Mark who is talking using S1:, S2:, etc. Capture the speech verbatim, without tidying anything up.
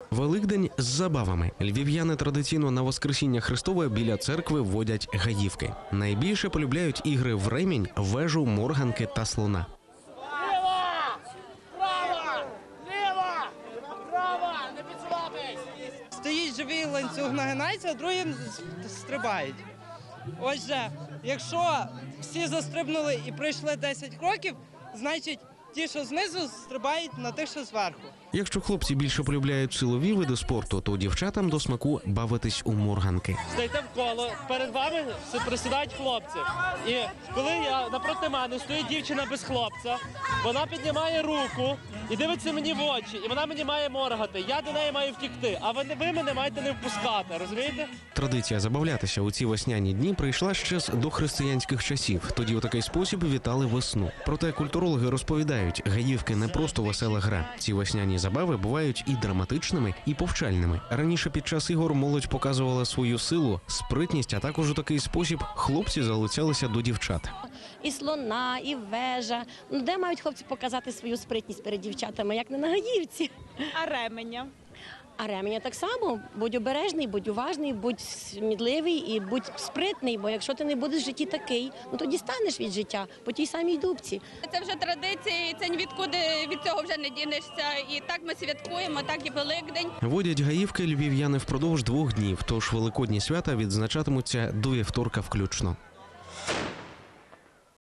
S1: Великдень з забавами. Львів'яни традиційно на Воскресіння Христове біля церкви водять гаївки. Найбільше полюбляють ігри в ремінь, вежу, морганки та слона.
S2: Ліва! Права! Ліва! Права! Не підслабись!
S3: Стоїть живий ланцюг, нагинається, а другі стрибають. Отже, якщо всі застрибнули і пройшли десять кроків, значить ті, що знизу, стрибають на тих, що зверху.
S1: Якщо хлопці більше полюбляють силові види спорту, то дівчатам до смаку бавитись у морганки.
S4: Стайте в коло, перед вами присідають хлопці. І коли я напроти мене стоїть дівчина без хлопця, вона піднімає руку і дивиться мені в очі, і вона мені має моргати. Я до неї маю втікти, а ви, ви мене маєте не впускати, розумієте?
S1: Традиція забавлятися у ці весняні дні прийшла ще з дохристиянських часів. Тоді у такий спосіб вітали весну. Проте культурологи розповідають, гаївки не просто весела гра. Ці весняні забави бувають і драматичними, і повчальними. Раніше під час ігор молодь показувала свою силу, спритність, а також у такий спосіб хлопці залицялися до дівчат.
S5: І слона, і вежа. Ну, де мають хлопці показати свою спритність перед дівчатами, як не на гаївці?
S6: А ременя?
S5: А ременя так само. Будь обережний, будь уважний, будь смідливий і будь спритний, бо якщо ти не будеш в житті такий, ну тоді станеш від життя по тій самій дубці.
S6: Це вже традиція, і це нікуди від цього вже не дінешся. І так ми святкуємо, так і Великдень.
S1: Водять гаївки львів'яни впродовж двох днів, тож великодні свята відзначатимуться до вівторка включно.